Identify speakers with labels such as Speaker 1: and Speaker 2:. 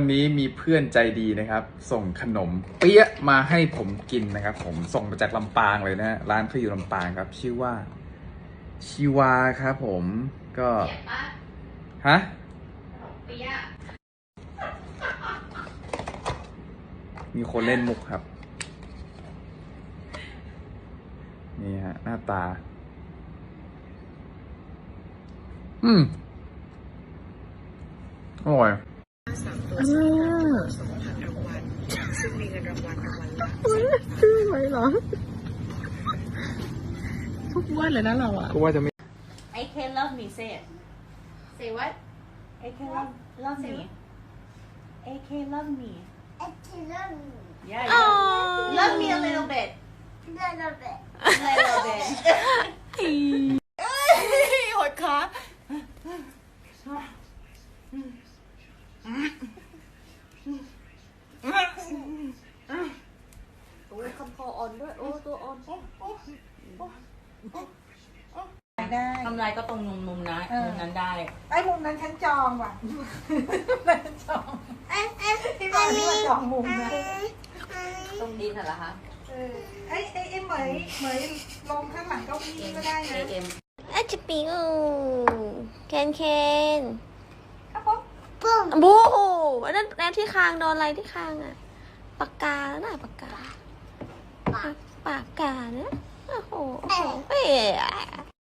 Speaker 1: วันนี้มีเพื่อนใจดีนะครับ ส่งขนมเปี๊ยะมาให้ผมกินนะครับ ผมส่งมาจากลำปางเลยนะร้านเขาอยู่ลำปางครับ ชื่อว่าชิวาครับผมก็ฮะเปี๊ยะมีคนเล่นมุกครับนี่ฮะหน้าตาอร่อย
Speaker 2: ชื่อไว้เหรอทุกวันเลยนะเราอ่ะ
Speaker 1: ก็ว่าจะไม่
Speaker 3: I can love me say it
Speaker 4: Say what?
Speaker 3: I can love me I can love me yeah love me a little bit
Speaker 4: Little bit.
Speaker 3: little bit
Speaker 2: หดขา
Speaker 4: โอ้คำคออ่อนด้วย โอ้ตัวอ่อน
Speaker 2: ได้
Speaker 3: ทำไรก็ตรงมุมนะมุมนั้นได้
Speaker 2: ไอ้มุมนั้นฉันจองว่ะฉันจองที่บ้านที่ว่าจองมุมนะ
Speaker 3: ตรงดินเหรอคะ
Speaker 2: ไอ้เหมยลงข้างหลังเก้าอี้ก็ได้นะ
Speaker 3: AM
Speaker 4: อาจจะปิงเคน
Speaker 2: ครับผม
Speaker 4: ปุ้มบูแล้วที่คางโดนอะไรที่คางอ่ะปากกาแล้วน่ะปากกานะโอ้โหเอ๊ะ